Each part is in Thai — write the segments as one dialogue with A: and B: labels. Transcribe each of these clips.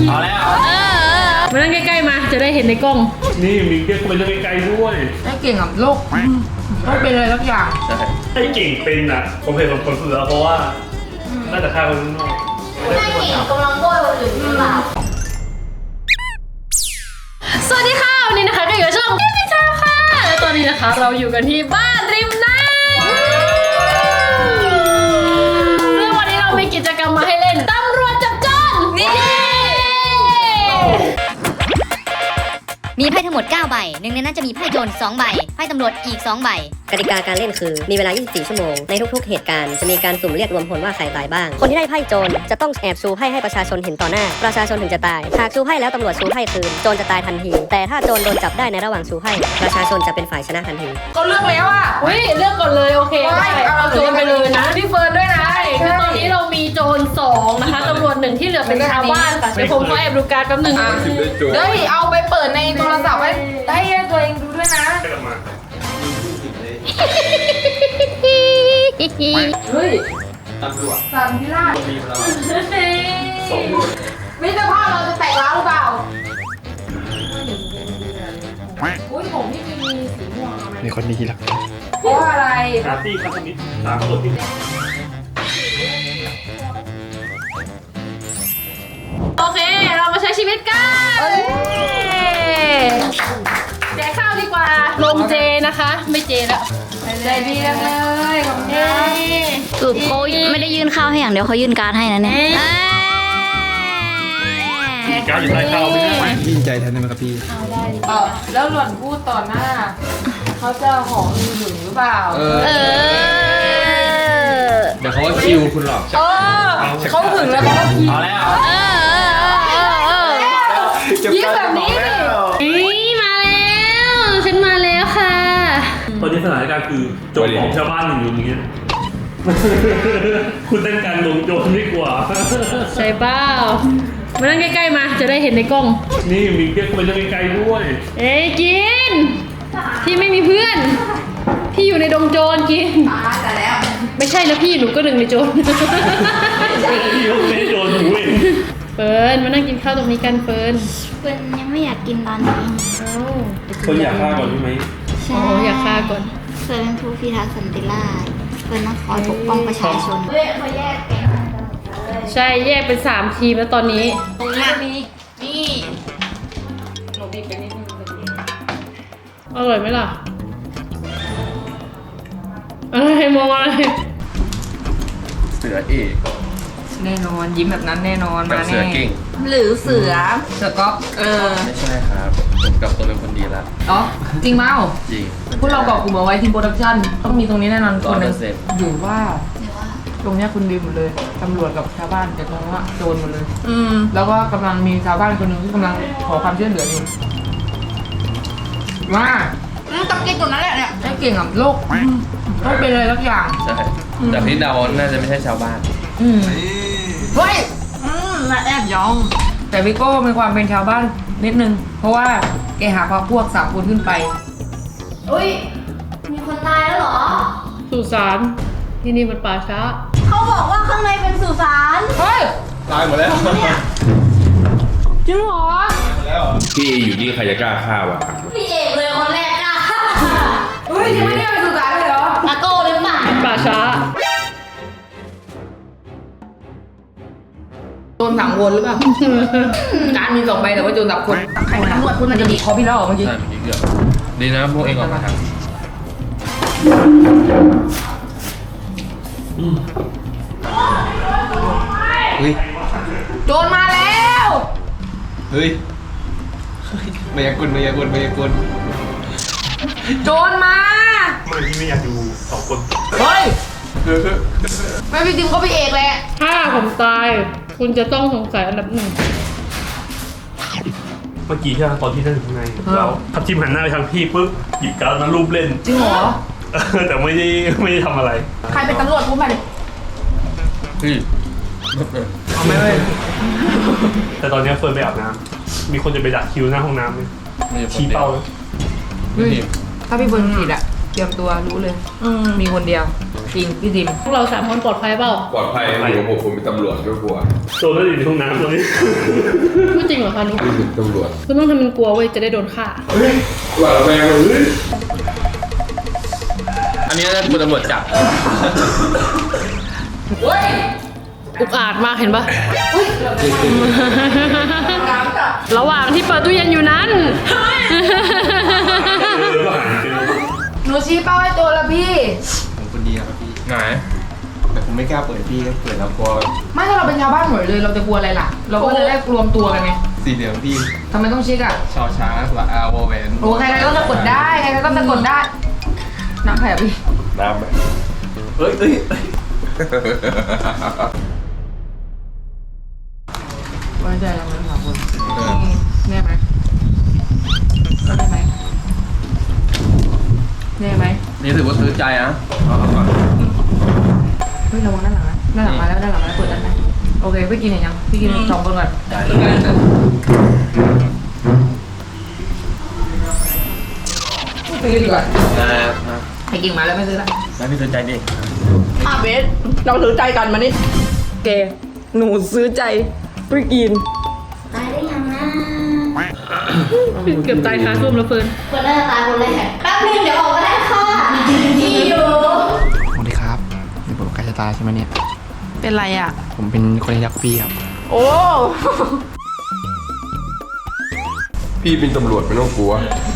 A: เอาแล้ว
B: มานั่งใกล้ๆมาจะได้เห็นในกล้อง
C: นี่มีเรียกไปเรื่องไกลๆด้วย
D: ไอ้เก่งกับโลกต้องเป็นอะไรสักอย่าง
A: ใช่
C: ไอ้เก่งเป็นอ่ะผมเห็นคนสุดแล้วเพราะว่าน่าจะฆ่าคนข้างนอก
E: ไม่ได้เก่งกำลังโบยคนอื่นหรือเปล่า
B: สวัสดีค่ะวันนี้นะคะก็อยู่กับช่องพี่ชาค่ะและตอนนี้นะคะเราอยู่กันที่บ้านริมน้ำซึ่งวันนี้เรามีกิจกรรมมาให้เล่นตำรวจจับโจรนี่
F: มีไพ่ทั้งหมด9ใบหนึ่งในนั้นจะมีไพ่โจร2ใบไพ่ตำรวจอีก2ใบกติกาการเล่นคือมีเวลา24ชั่วโมงในทุกๆเหตุการณ์จะมีการสุ่มเรียกรวมผลว่าใครตายบ้างคนที่ได้ไพ่โจรจะต้องแอบชูไพ่ให้ประชาชนเห็นต่อหน้าประชาชนถึงจะตายหากชูไพ่แล้วตำรวจชูไพ่คืนโจรจะตายทันทีแต่ถ้าโจรโดนจับได้ในระหว่างชูไพ่ประชาชนจะเป็นฝ่ายชนะทันที
D: ก็เลือกแล้วอ่ะ
B: อุ้ยเลือกก่อนเลยโอเคเอาโจรไปเลยนะ
D: พี่เฟิร์นด้วยนะ
B: คือตอนนี้เรามีโจร2นะคะตำรวจ1ที่เหลือเป็นชาวบ้านค่ะเดี๋ยวผมขอแอบดูการ์ดแป๊บนึง
D: เดี๋ยวเอาไปเปิดในโทรศัพท์ไว้ให้ตัวเองดูด้วยนะเฮ้ย
A: ตำรวจ
D: สันพิราช
A: มีเรา
D: มิตรภาพเราจะแตกร้าวหรือเปล่าอุ้ยผมนี่มีสีม่วง
C: ในคนนี้ละ
D: เพราะอะไร
C: ปาร์ตี้คาสมิธตามตัวที่
B: โอเคเรามาใช้ชีวิตกันแจกข้าวดีกว่าลงเจนะคะไม่เจแล้ว
D: ใจดีจังเลยขอบคุณค่ะ
F: สรุปเขาไม่ได้ยื่นข้าวให้อย่างเดียวเขายื่นการ์ดให้นะเนี่ย
C: การอยู่ใต้ข้าวไม่ได้
A: ดีใจแทนได้ไหมครับพี่
D: แล้วหล่อนพูดต่อหน้าเขาจะหอมหึงหรือเปล่า
A: เดี๋ยวเขาว่าคิวคุณหรอก
D: เขาหึงแล้วเขาก็คิว
A: เอาแล้ว
B: ยิ้มแบบนี้มาแล้วฉันมาแล้วค่ะ
C: ตอนนี้สถานการณ์คือโจรของชาวบ้านอยู่อย่างเงี้ยคุณเต้นการลงโจรไม่กว่า
B: ใช่เปล่ามานั่งใกล้ๆมาจะได้เห็นในกล้อง
C: นี่มีเรียกไปเรื่องไกลๆด้วย
B: เอ้ยกินพี่ไม่มีเพื่อนพี่อยู่ในดงโจรกิน
D: แต่แล้ว
B: ไม่ใช่แล้วพี่หนูก็หนึ่งในโจร
C: พี่ยกในโจรหนูเอง
B: เฟิร์นมานั่งกินข้าวตรงนี้กันเฟิร์น
F: ยังไม่อยากกินตอนนี้
C: คนอยากฆ่าก่อนใช่ไหม
F: ใช่
B: อยากฆ่าก่อน
F: เฟิร์นเป็นผู้พิทักษ์สันติราษฎร์เฟิร์นต้องคอยปกป้องประชาชน
E: เขาแยกแก
B: ใช่แยกเป็น3ทีมแล้วตอนนี้
D: ตรงนี้มีนี่หนูบีบไปนิดนึง
B: อร่อยไหมล่ะอะไรมองอะไร
A: เสือเอก
D: แน่นอนยิ้มแบบนั้นแน่นอนมาแน่
A: เสือเก่ง
D: หรือเสือก๊อฟ
A: ไม่ใช่ครับผมกลับตัวเป็นคนดีแล้ว
D: อ๋อจริงเมา
A: จริง
D: พวกเราบอกกลุ่มเอาไว้ทีมโปรดักชั่นต้องมีตรงนี้แน่นอนคนนึงหรือว่าตรงนี้คุณดีหมดเลยตำรวจกับชาวบ้านแต่ตรงว่าโจรหมดเลยแล้วก็กำลังมีชาวบ้านคนหนึ่งที่กำลังขอความช่วยเหลืออยู่ว่าตับเก่งตัวนั้นแหละเนี่ยไอ้เก่งกับโลกต้องเป็นอะไรสักอย่าง
A: ใช่แต่พี่ดาวน่าจะไม่ใช่ชาวบ้าน
D: เฮ้ยมาแอบยองแต่วิโก้มีความเป็นชาวบ้านนิดนึงเพราะว่าแกหาพวก3 คนขึ้นไป
E: อุ้ยมีคนตายแล้วเหรอ
B: สุสานที่นี่มันป่าช้า
E: เขาบอกว่าข้างในเป็นสุสาน
D: เฮ้ย
A: ตายหมดแล้ว
E: เนี่ย
B: จริงเหรอ
A: พี่อยู่นี่ใครจะกล้าฆ่าวะ
E: พี่เอกเลยคนแรกอ่ะ
D: เฮ้ยยังไม่ได้เป็นสุสานเลยเหรอ
E: ตะโก้หรือเปล่า
B: ป่าช้า
D: โจรสั่งวนหรือเปล่าการมี2 ใบแต่ว่าโจรดับคนใครตำรวจคุณมันจะมีคอพี่แล้วเมื่อกี้
A: ใช่เมื่อกี้เกือบดีนะพวกเองออกมาทางเฮ้ย
D: โจรมาแล้ว
A: เฮ้ยมายากล
D: โจรมา
C: เมื่อกี้ไม่อยากดู2 คน
D: เฮ้ยไม่พี่จิมก็พี่เอกแหละ
B: ถ้าผมตายคุณจะต้องสงสัยอันดับ1
C: เมื่อกี้ใช่ไหมตอนที่นั่งอยู่ข้างในแล้วทับทิมหันหน้าไปทางพี่ปุ๊บหยิบการ์ดมารูปเล่น
D: จริงเหรอ
C: แต่ไม่ได้ทำอะไร
D: ใครเป็นตำรวจพูดมาดิ
A: พี่
C: เอาไม่แต่ตอนนี้เฟิร์นไปอาบน้ำมีคนจะไปดักคิวหน้าห้องน้ำเลยชี้เป้าเลย
D: ถ้าพี่เฟิร์นผิดอะเตรียมตัวรู้เลยมีคนเดียวจริงพี่ดิม
B: พวกเรา3 คนปลอดภัยเปล่า
A: ปลอดภัยอยู่กับผมเป็นตำรวจไม่กลัว
C: โจรน่าจะอยู่ในห้องน้ำตรงนี้
B: พูดจริงเหรอคะนุ๊ก
A: นี่เป็นตำรวจ
B: คุณต้องทำเป็นกลัวเว้ยจะได้โดนฆ่า
A: เฮ้ยหวาดระแวงเลยอันนี้น่าจะเป็นตำรวจจับ
B: อุกอาจมากเห็นปะระหว่างที่เปิดตู้เย็นอยู่นั้น
D: หนูชี้เป้าให้ตัวละพี่
A: ผมคนดีนะครับพี่ไงแต่ผมไม่กล้าเปิดพี่ก็เปิดแล้วกลัว
D: ไม่ถ้าเราเป็นชาวบ้านหมดเลยเราจะกลัวอะไรล่ะ เราก็จะได้รวมตัวกันไง
A: สีเหลืองพี่
D: ทำไมต้องเช็คอ่ะ
A: ชอช้างสระอาวอแหวน
D: โอ้ใครๆก็จะกดได้ใครๆก็จะกดได้น้ำแผ่พี่
A: น้ำไหมเฮ้ยเฮ้ย
D: ไว้ใจเราไหมสองคนแน่ไหมแน่ไหมแน่ไหม
A: นี่ถือว่าซื้อใจนะ
D: เฮ้ยระวังด้านหลังนะด้านหลังมาแล้วด้านหลังมาแล้วเปิดด้านในโอเคพี่กินเห็นยังพี่กินสองคนก่อนซื้อดีกว่าไอ้กิ่งมาแล้วไม่ซื้อละ
A: แล้วพี่ซื้อใจดิ
D: เบสเราซื้อใจกันมานี่แกหนูซื้อใจพี่กิน
E: ตายได้ยังนะ
B: เกือบตายคาส้วมแล้วเฟิร์น
E: คนน่าจะตายคนแรกแป๊บนึงเดี๋ยวออกก็ได้ค่ะที่อยู่
G: สวัสดีครับนี่ผมใกล้จะตายใช่ไหมเนี่ย
D: เป็นไรอ่ะ
G: ผมเป็นคนที่รักพี่ครับ
D: โอ้
A: พี่เป็นตำรวจไม่ต้องกลัว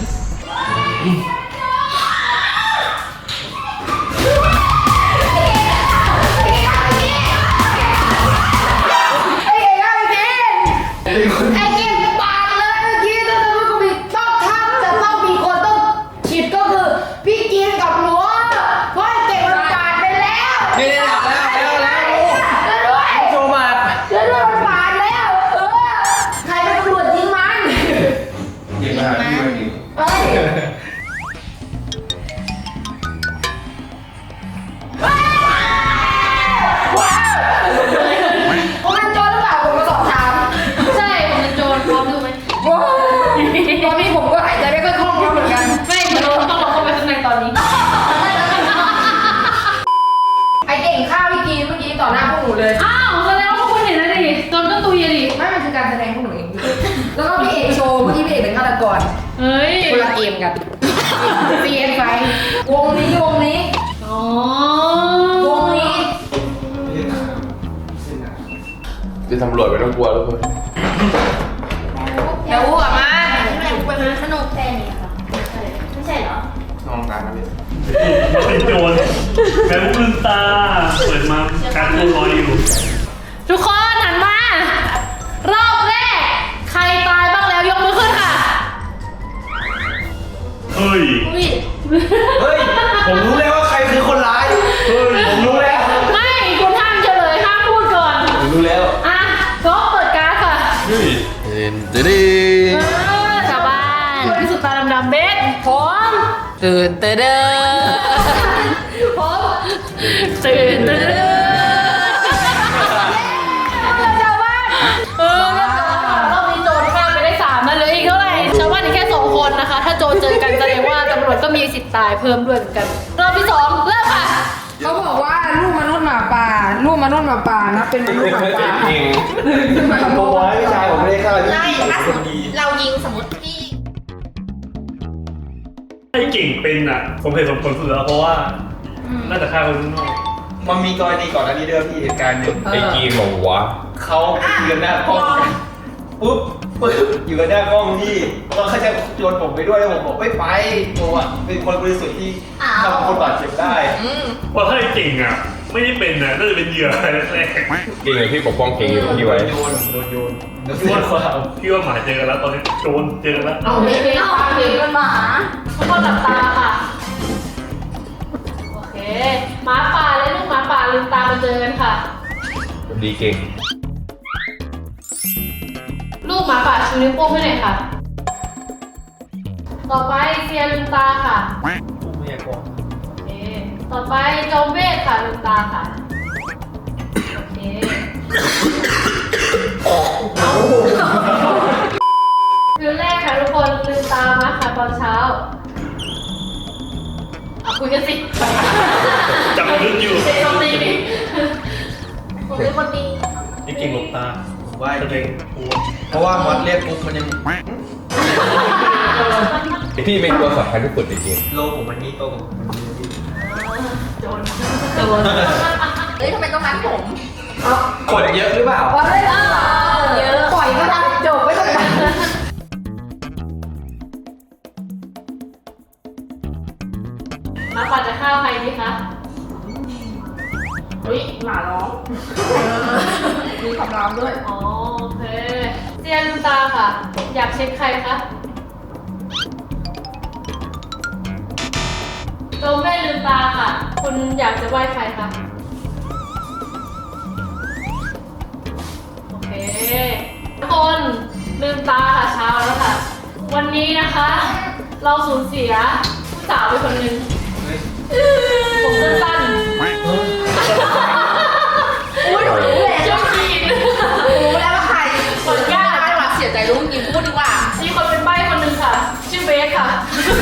E: ไอ้เก่งปากเลยเมื่อกี้ถ้าสมมติกูผิดต้องทำจะต้องมีคนต้องผิดก็คือพี่กินกับหนูเพราะไอ้เก่งมันปาดไปแล้ว
A: นี่แล้ว
E: ด้วย
A: โจมา
E: แล้วด้วยมันปาดแล้วใครเป็นตำรวจยิงมัน
A: ยิงมาพี่มายิง
E: เฮ้ยผมเป็นโจรหรือเปล่าผมมาสอบถาม
B: ใช่ผมเป็นโจรพร้อมดูไหม
E: ว้าวตอนนี้ผมก็หายใจไม่ค่อยคล่องแล้วเหมือนกัน
B: ไม่เราต้องลองเข้าไปข้างในตอนนี้
D: ไอเก่งฆ่าพี่กินเมื่อกี้ต่อหน้าพวกหนูเลย
B: อ้าวแสดงว่าพวกคุณเห็นแล้วดิโจรก็ตุยอะดิ
D: ไม่มันคือการแสดงพวกหนูเองแล้วก็พี่เอกโชว์เมื่อกี้พี่เอกเป็นฆาตกร
B: เฮ้ย
D: คนละเกมกัน CN ไฟวงนี้
B: อ๋อ
D: วงนี้
A: เป็นตำรวจไม่ต้องกลัวทุกคน
D: เดี๋ยวอ้วกมา
E: แม่กูเป็นขนมแค่นี้ค่ะไม่ใช่เหรอ
A: น้องการนะพี่
C: มันเป็นโจรแม่ลืมตาเปิดมาการตัวลอยอยู่
B: ทุกคนหันมารอบแรกใครตายบ้างแล้วยกมือขึ้นค่ะ
C: เฮ้ย
B: อุ้ย
A: เฮ้ย ผมรู้แล้วว่าใครคือคนร้าย
C: เฮ้ย
A: ผมรู้แล้ว
B: ไม่คุณห้ามเฉลยห้ามพูดก่อน
A: ผมรู้แล้ว
B: อ่ะก็เปิดการ์ดค่ะ
A: เฮ้ยเดน
B: ชาวบ้านที่สุดตาดำๆเบสพร้อม
D: ตื่นเต้น
B: พร้อมตื่นตื่นชาวบ้านรอบนี้โจรฆ่าไปได้3แล้วเหลืออีกเท่าไหร่ชาวบ้านอีกแค่2 คนนะคะ ถ้าโจรเจอกันแสดงว่าตำรวจก็มีสิทธิ์ตายเพิ่มด้วยเหมือนกันรอบที่2เริ่มค่ะ
D: เขาบอกว่าลูกมนุษย์หมาป่านะเป็นมนุษย์หมาป่า
A: เองผมบอกให้พี่ชายผมไม่ได้ฆ่าพี่
E: ไม่ถ้าส
A: ค
E: มม
A: น
E: ติ
A: ดี
E: เรายิงสมมติพี่
C: ไอ้เก่งเป็นอ่ะ ผมเห็นสมผลสุดแล้วเพราะว่าน่าจะฆ่าคนข้างนอก
A: มันมีกรณีก่อนหน้านี้ด้วยพี่เหตุการณ์หนึ่งไอ้กีมบอกวะเขาอยู่กันหน้ากล้องปุ๊บอยู่กันหน้ากล้องพี่แล้วเขาจะโยนผมไปด้วยแล้วผมบอกไม่ไปผมอ่ะเป็นคนบริสุทธิ์ที่ทำคนบาดเจ็บได้
C: เพราะถ้าไอ้เก่งอ่ะ ไม่ได้เป็นอ่ะน่าจะเป็นเหยื่อแรก
A: เก่งเลยพี่ปกป้องเก่งอยู่พี่ไว้โดนโยน
C: ๆพี่ว่าหมาเจอกันแล้วตอนนี้โจรเจอกันแล้ว
B: เอาเบสเอาเบสกันมาทุกคนหลับตาค่ะ โอเคหมาป่าและลูกหมาป่าลืมตามาเจอกันค่ะ
A: ดีเก่ง
B: ลูกหมาป่าชูนิ้วโป้งให้หน่อยค่ะ ต่อไปเซียลืมตาค่ะ โอเค ต่อไปจอมเวทค่ะลืมตาค่ะ โอเคคืนแรกค่ะทุกคนลืมตามาค่ะตอนเช้าคุยกันสิ
C: จับลึกอยู่เก่งหลบตา
A: ผมว่า
C: แสดงโอ้
A: เพราะว่ามอสเรียกปุ๊บมันยัง
H: พี่เป็นตัวสำคัญที่สุดในเกม
A: โลผมมันนี่โตกับผมมันนี่
B: โจร
E: เฮ้ยทำไมต้องมัดผม
A: กดเยอะหรือเปล่า
E: ปล่อยเยอะปล่อยก็ทำจบไม่ต้องมัด
B: มาปัดจะฆ่าใครดีคะ
D: เฮ้ยหมาร้องมีคำรามด้วย
B: อ๋อโอเคเซียนลืมตาค่ะ อยากเช็คใครคะโจมแม่ลืมตาค่ะ คุณอยากจะไหว้ใครคะโอเคทุกคนลืมตาค่ะเช้าแล้วค่ะ วันนี้นะคะ เราสูญเสียผู้สาวไปคนหนึ่งผมสั้นๆ
E: อุ้ยหนูรู้แล้ว
B: เจ้าหญิง
E: รู้แล้วว่าใคร
B: ขออนุญาต
E: ไม่หวัดเสียใจรู้จริงพูดดีกว่า
B: มีคนเป็นใบ้คนหนึ่งค่ะ ชื่อเบสค่ะ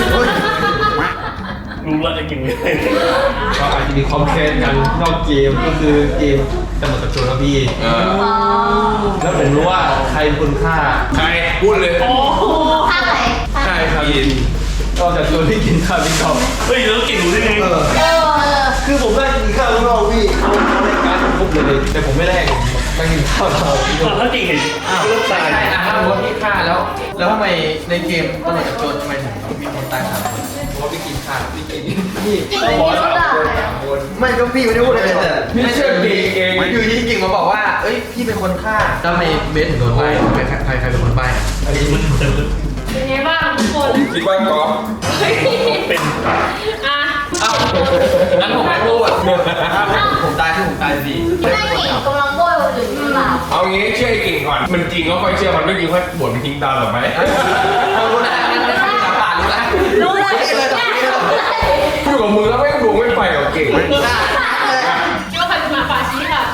C: รู้แล้วจะกินไง
A: ก็อาจจะมีคอมเพลนกันนอกเกมก็คือเกมจะหมดกับโจรแล้วพี่แล้วผมรู้ว่าใครเป็นคนฆ่า
H: ใครพูดเลย
E: ข้าไหน
H: ใช่ครับยิน
A: นอกจากโจรที่กินข้าวพี่กอล์ฟ
C: เฮ้ยแล้วเก่งรู้ได้ไง
A: คือผมได้กินข้าวข้างนอกพี่เขารายการครบเลยแต่ผมไม่แลกนั่งกินข้าวเราพี่
C: ถ้าเก่งเห็น
A: เริ่มตายถ้าว่าพี่ฆ่าแล้วทำไมในเกมตำรวจกับโจรทำไมถึงมีคนตาย3 คนเพราะว่าพี่กินข้าวพี่กินพี่ต้องบอก3 คนไม่ก็พี่ไม่ได้พูดอะไรแต่
H: ไม่เชื่อดีเอง
A: อยู่ที่กิ่งมาบอกว่าเอ้ยพี่เป็นคนฆ่าแล้วทำไมเบสถึงโดนใบ้ใครเป็นคนใบ้อันนี้
B: เป็นไงบ้างทุกคน
H: คิดว่ากอล์ฟ
C: เป็น
B: อ่ะ
A: อ้าวงั้นผมไม่พูดผมตายคือผมตายสิ
E: ไม่เก่งกำลังโบยคนอื่นหรือเปล่า
H: เอางี้เชื่อไอ้กิ่งก่อน มันจริงก็ค่อยเชื่อมันไม่จริงค่อยบ่นมันทิ้งตามหรอไหม
A: รู้นะงั้นไม่ต้องจับปากรู้นะ
E: รู้เลย
A: เลยตอนนี้เลย
H: อยู่กับมึงแล้วไม่ดวงไม่ไปกับเก่ง
B: คิดว่าใครเป็นหมาป่าชี้ค่ะ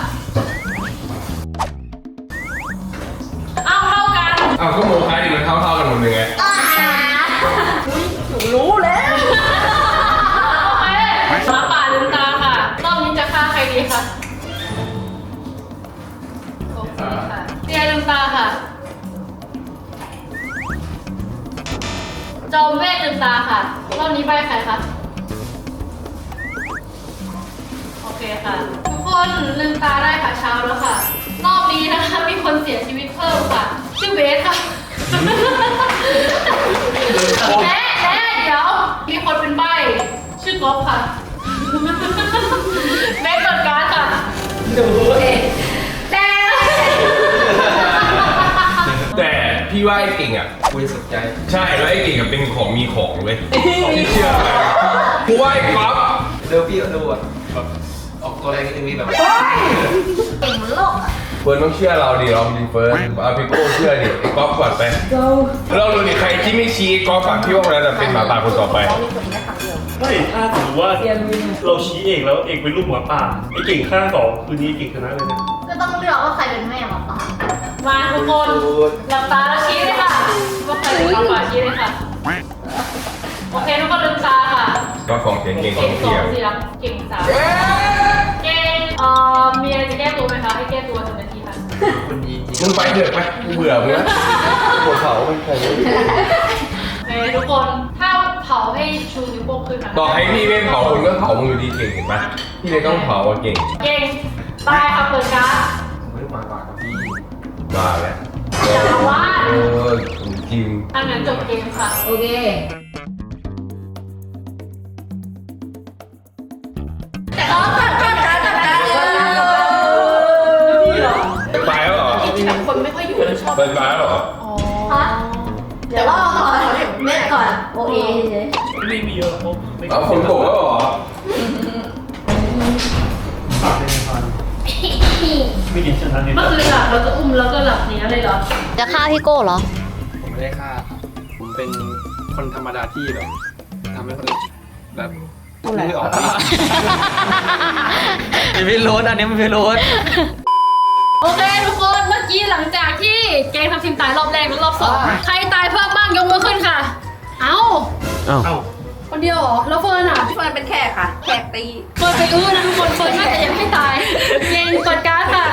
B: เอาเท่ากัน
H: อ้าวก็โมคาดิมันเท่าๆกันหมดเลยไง
E: รู้แล้ว
B: โอเคหมาป่าลืมตาค่ะ รอบนี้จะฆ่าใครดีคะโอเคค่ะเตียลืมตาค่ะ จอมเวทลืมตาค่ะ รอบนี้ใบใครคะ โอเคค่ะ ทุกคนลืมตาได้ค่ะเช้าแล้วค่ะ รอบนี้นะคะมีคนเสียชีวิตเพิ่มค่ะ ชื่อเบสค่ะและเดี๋ยวมีคนเป็นใบชื่อก๊อฟค่ะเบสเปิดการ์ดค่ะ
E: แต่
H: แต่พี่ว่าไอ้กิ่งอ่ะ
A: คุยสุดใจ
H: ใช่แล้วไอ้กิ่งอ่ะเป็นของมีของเลยที่เชื่อเลยกูว่าไอ้กอล์ฟ
A: เดี๋ยวพี่ดูอ่ะแบบออกตัวแรงนิดนึงนี่แบบ
E: เก่งเหมือนโลกอะ
H: เฟิร์นต้องเชื่อเราดิเราดิเฟิร์นเอาพี่โก้เชื่อดิไอ้กอล์ฟก่อนไปเราดูดิใครที่ไม่ชี้กอล์ฟฝั่งพี่ว่าคนนั้นเป็นหมาป่าคนต่อไป
C: เฮ้ยถ้าถือว่าเราชี้เอกแล้วเอกเป็นลูกหมาป่าไอ้เก่งฆ่า2คืนนี้เก่งชนะเลยนะ
E: ก็ต้องเลือกว่าใครเป็นแม่หมาป่า
B: มาทุกคนหลับตาแล้วชี้เลยค่ะว่าใครเป็นหมาป่าชี้เลยค่ะ โอเคทุกคนลืมตาค่ะ
H: ก็ของเก่งเก่งข
B: เก่
H: อง ง
B: สอ
H: เทีย
B: ง
H: ม
B: สิครับเก่ง3เก่งมีอะไรจะแก้ตัวไหมคะให้แก้ตัว1 นาทีค่ะ
A: คนยิง
H: มึงไปเถอะไปกูเบื่อมึงแล้ว
A: หัวเขามันแข็ง
B: โอเคทุกคนถ้าเผาให้ชูนิ้วโป้งขึ้นค่ะ
H: บอกให้พี่ไม่เผามึงก็เผามึงอยู่ดีเก่งเห็นปะพี่เลยต้องเผาอะเก่ง
B: เก่งตายค่ะเปิดการ์ด
A: ไม่มาปากกับพี่
H: มาแล้ว
B: อย่าว่า
H: จริง
B: อันนั้นจบเกมค่ะ
E: โอเคแต่เราจัดการเลย
B: นี่เหรอ
H: ตายแล้วเหรอ
B: ที่แบบคนไม่ค่อยอยู่แล้วชอบ
H: เป็นตายแล้วเหรอ
E: ฮะเดี๋ยวเราก่อนแม่ก่อนโอเคเฉย
C: ไม่มีเยอะเพราะไม่
H: เอาฝนตกแล้วเหรอ
C: ปากเป็นพันไม่กินชนะนี่
B: เมื่อคืนหลับแล้วก็อุ้มแล้วก็หลับเนี้ยเลยเหรอ
F: จะฆ่าพี่โก้เหรอ
G: ผมไม่ได้ฆ่าครับผมเป็นคนธรรมดาที่แบบทำให้คนอื่นแบบไม่ออกพี่
A: มันไม่รู้อันนี้มันไม่รู้
B: โอเคทุกคนเมื่อกี้หลังจากที่เกมทำทีมตายรอบแรกและรอบ2ใครตายเพิ่มบ้างยกมือขึ้นค่ะ เอ้า
C: เอ้า
B: คนเดียวเหรอแล้วเฟิร์นอ่ะ
E: เฟิร์นเป็นแขกค่ะ แขกตี
B: เฟิร์นไปนะทุกคนเฟิร์นน่าจะยังไม่ตายเย็นเปิดการ์ดค่ะ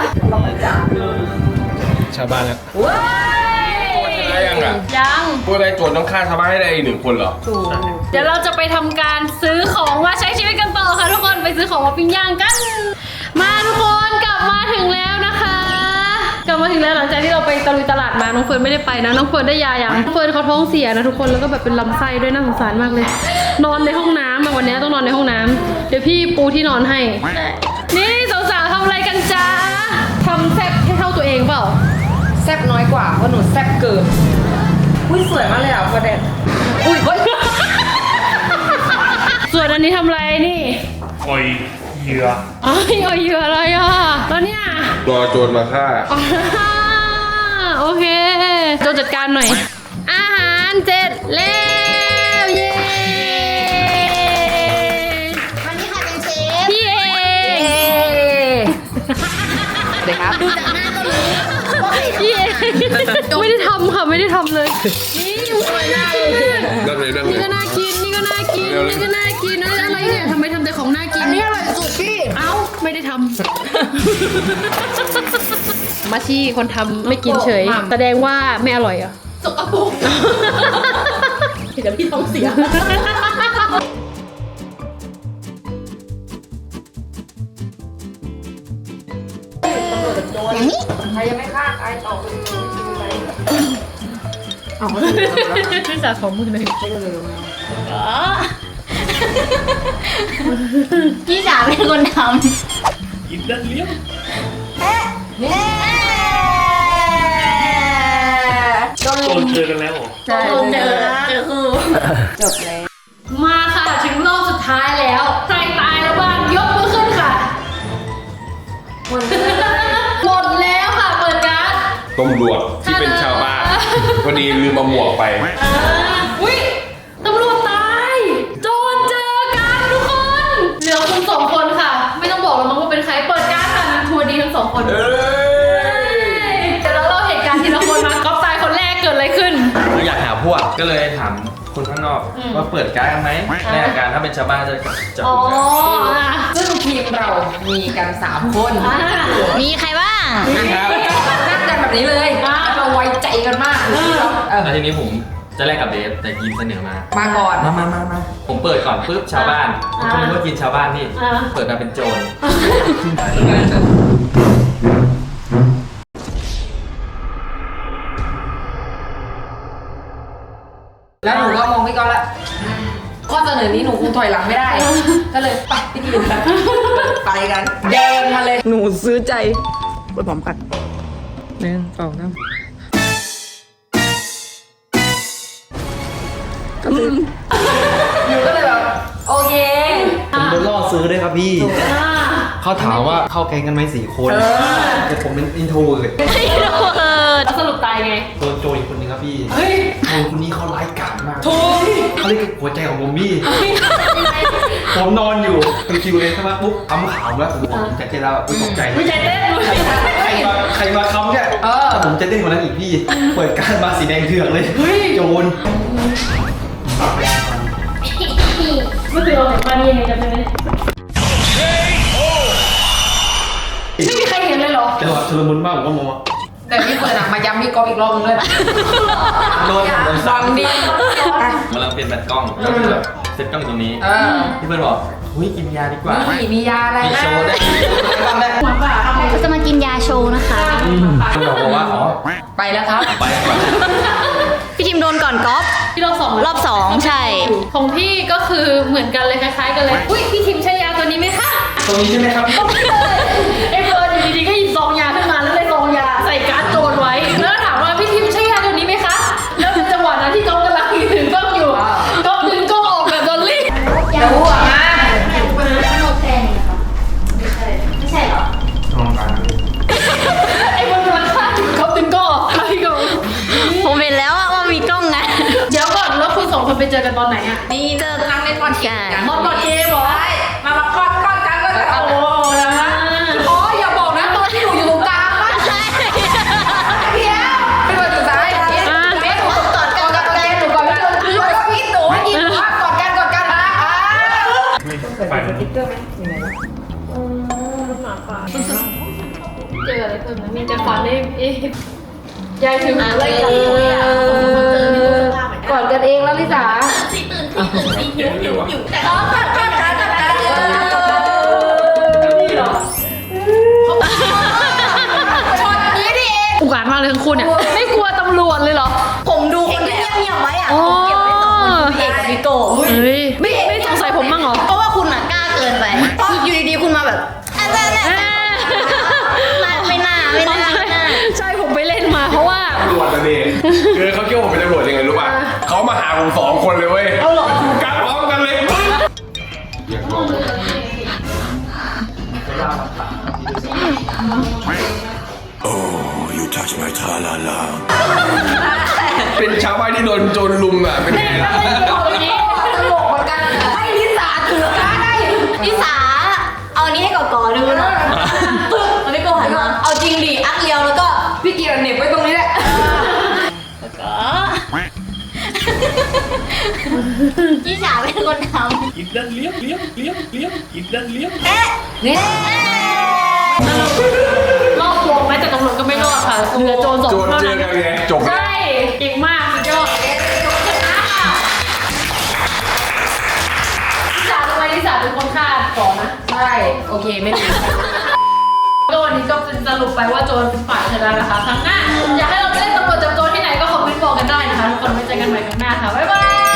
G: ชาวบ้านแล้ว
B: ว้าย
H: ได้ยังอ่ะ
B: ยัง
H: พวกนายโจรต้องฆ่าชาวบ้านให้ได้อีก1 คนเหรอ
B: เดี๋ยวเราจะไปทำการซื้อของมาใช้ชีวิตกันต่อค่ะทุกคนไปซื้อของมาปิ้งย่างกัน มาทุกคนกลับมาถึงแล้วนะคะ กลับมาถึงแล้วหลังจากที่เราไปตะลุยตลาดมาน้องเฟิร์นไม่ได้ไปนะน้องเฟิร์นได้ยาอย่างน้องเฟิร์นเขาท้องเสียนะทุกคนแล้วก็แบบเป็นลำไส้ด้วยน่าสงสารมากเลย นอนในห้องน้ำอะวันนี้ต้องนอนในห้องน้ำเดี๋ยวพี่ปูที่นอนให้ นี่สาวๆทำอะไรกันจ้าทำแซ่บให้เท่าตัวเองเปล่า
D: แซ่บน้อยกว่าเพราะหนูแซ่บเกินอุ้ยสวยมากเลยอ่ะประเด็น
B: อุ้ย ส่วนอันนี้ทำอะไรนี่
C: อ่อยเหยื่อ
B: อ๋อเหยื่ออะไรอ่ะแล้วเนี่ย
H: รอโจรมาฆ่า
B: อ่าโอเคโจจัดการหน่อย อาหารเสร็จแล้วเย้
E: วันนี้ใครเป็นเชฟ
B: พี่เอง
D: เด็กครับ
E: ดูจากหน้าก็รู้ว่าใคร
B: พี่เองไม่ได้ทำค่ะไม่ได้ทำเลยนี่สวยมากเลย
H: นั่งเลยนั่งเล
B: นี่
H: ย
B: ก็น่ากินนี่ก็น่ากินนี่ก็น่ากินอะไรเนี่ยทำไมทำแต่ของน่ากิน
E: อันนี้อร่อยสุดพี่
B: เอ้าไม่ได้ทำ มาชี่คนทำไม่กินเฉย แสดงว่าไม่อร่อยเหรอ่ะสกปรกเดี๋ยวพี่ท้องเสีย
E: อย่างนี้
D: ใครยังไม่ฆ่าใครต่อไปเอา
B: พี่สาของมือเลย
E: พี่จ๋าเป็นคนท
C: อินเดียเลี้ยง
E: ำเนี่ย
C: โจรเจอกันแล้วเหรอ
B: เจอคือ
D: จบแล้ว
B: มาค่ะถึงรอบสุดท้ายแล้วใครตายแล้วบ้างยกมือขึ้นค่ะ หมดแล้วค่ะเปิดการ์ด
H: ตำรวจที่เป็นชาวบ้านพอดีลืมมาหมวกไป
B: อุ้ยตำรวจตายโจรเจอกันทุกคนเหลือคุณ2 คนค่ะ ไม่ต้องบอกแล้วมั้งว่าเป็นใครเปิดการ์ดค่ะมีทัวร์ดีทั้ง2 คน
H: เอ้ย
B: เดี๋ยวเราเล่าเหตุการณ์ทีละคนมาก๊อฟตายคนแรกเกิดอะไรขึ้น
I: อยากหาพวกก็เลยถามคนข้างนอก
B: อืม
I: ว่าเปิดการ์ดไหมในอาการถ้าเป็นชาวบ้านจะจับ
B: อ๋อ
I: กัน
B: อ่ะ
D: ซึ่งทีมเรามีกัน3 คน
B: อ่ะ
E: มีใครบ้าง
I: ครับ
D: นั่งกันแบบนี้เลยเราไว้ใจกันมากเออ
I: แล้วทีนี้ผมจะแลกกับเดฟแต่ยินเสนอมา
D: มาก่อน
I: มาผมเปิดก่อนปุ๊บชาวบ้านผมก็นึกว่ากินชาวบ้านนี่
B: อ่ะ
I: เปิดมาเป็นโจร
D: แล้วหนูก็มองพี่ก๊อฟละข้อเสนอนี้หนูคงถอยหลังไม่ได้ ก็เลยไปพี่ทีมไปกัน แดงมาเลย หนูซื้อใจไปพร้อมกัน1 2 3ก็ลืมหนูก็เลยแบบโอเค
J: ผมโดนล่อซื้อด้วยครับพี่
B: อ่ะ
J: เขาถามว่าเข้าแก๊งกันไหม4 คน แต่ผมเป็นอินโทรเลย
B: แล้วสรุปตายไง
J: โดนโจรอีกคนนึงครับพี่
B: เฮ้ย
J: โจรคนนี้เขาร้ายกาจมากเขาเรียกหัวใจของผมพี่ ผมนอนอยู่เป็นคิวเลยใช่ไหมปุ๊บคำขาวแล้วผมจะเต้นแล้วตกใจ
B: ไม่ใจเต้นเลย
J: ใครมาคำเนี่ยแต่ผมจะเต้นกว่านั้นอีกพี่ เปิดการมาสีแดงเถือกเลย โจร
B: เมื่อคืนเราเห็นมานี่ยังไงจำได้ไหมไม่มีใครเห็นเลยเหรอ
J: จังหวะชุลมุนมากผมก็มองว่า
D: แต่พี่เปิดมาย้ำพี่ก๊อฟอีกรอบนึงเลย
J: โดน
D: ฟังดี
I: กำลังเปลี่ยนแบตกล้องก็คือแบบเซ็ตกล้องอยู่ตรงนี้พี่เบิร์ดบอกเฮ้ยกินยาดีกว่า
D: มียาอะไร
I: มีโชว์ได้
B: หัวป่า
E: เราจะมากินยาโชว์นะคะ
I: คุณบอกว่าอ๋อ
D: ไปแล้วครับ
I: ไปก่อน
E: พี่ทีมโดนก่อนก๊อฟ
B: ที่รอบ 2
E: รอบ 2 ใช่
B: ของพี่ก็คือเหมือนกันเลยคล้ายๆกันเลย อุ้ยพี่ทิมใช้ยาตัวนี้ไหมคะ
J: ตรงนี้ใช่ไหมครับ
B: ไอ้เฟิร์นอยู่ดีๆก็หยิบซองยาขึ้นมาแล้วเลยซองยาใส่การ์ดโจรไว้ แล้วก็ถามว่าพี่ทิมใช้ยาตัวนี้ไหมคะ แล้วเป็นจังหวะนั้นที่ก๊อฟกำลังถือกล้องอยู่ก๊อฟดึงกล้องออกแบบดอลลี่
D: เดี๋ยวหัวมา
E: ไม่ใช่เหรอ
B: ไอ้บนราคาก๊อฟดึงกล้องออกแล้วพี่ก็
E: ผมเห็นแล้วว่ามีกล้องนะ
B: เดี๋ยวก่อนแล้วคุณ2 คนไปเจอกันตอนไหนอะ
D: นี่เจอนั่งเล่นบอลเกมกัน
B: มอบอลเกมเหรอ
D: มากอดกันก็จะ
B: โอ้โหนะฮะ
D: อ๋ออย่าบอกนะตอนที่หนูอยู่ตรงกลางว่าใช่เพี้ยวเป็นวันสุดท้ายเพี้ยวหนูกอดกันหนูกอดกันคือว่าพี่หนูให้กินว่ากอดกัน
B: นี่ยายถึงอะไรกันเลยอ่ะกอดกันเองแล้วลิสา
E: แต่ก็ตัด
B: นี่เหรอช็อตนี้ดิเองอุกอาจมากเลยทั้งคู่เนี่ยไม่กลัวตำรวจเลยเหรอ
E: ผมดูคนที่เงียบๆไว้อะผมเก็บไว้สองคนพี่เอกกับพี่โก้
B: เฮ้ยไม่สงสัยผมบ้างเหรอ
E: เพราะว่าคุณอะกล้าเกินไปอยู่ดีๆคุณมาแบบไม่น่า
B: ใช่ผมไปเล่นมาเพราะว่า
H: ตำรวจนะเด็กคือเขาคิดว่าผมเป็นตำรวจยังไงรู้ป่ะเขามาหาผม2 คนเลยเว้ยกัดพร้อมกันเลยอยากลองเป็นชาวบ้านที่โดนโจรลุมอ่ะเป็นไงล่ะ
E: ตลกเหมือนกันให้ลิสาถือได้ลิสาเอาอันนี้ให้ก่อนดูนะปึ๊บแล้วพี่โก้หันมาเอาจริงดิอักเลียวแล้วก็พี่เกียร์เหน็บไว้ตรงนี้แหละพี่สาวเป็นคนทำ
C: กินดันเลี้ยงกินดันเลี้ยง
E: นี่
B: รอบวงไหมแต่ตำรวจก็ไม่รอดค่ะเหลือโจร2
H: โจ
B: คน
H: ร
B: เท่า
H: เจอ
B: นั้น
H: กันไงจบ
B: ใช่เก่งมากสุดยอดลิสาเป็นคนฆ่าก่อนนะ
D: ใช่โอเคไม่ดี
B: ก็วันนี้ก็เป็นสรุปไปว่าโจรเป็นฝ่ายชนะนะคะครั้งหน้าอยากให้เราไปเล่นตำรวจจับโจรที่ไหนก็คอมเมนต์บอกกันได้นะคะทุกคนไว้เจอกันใหม่ครั้งหน้าค่ะบ๊ายบาย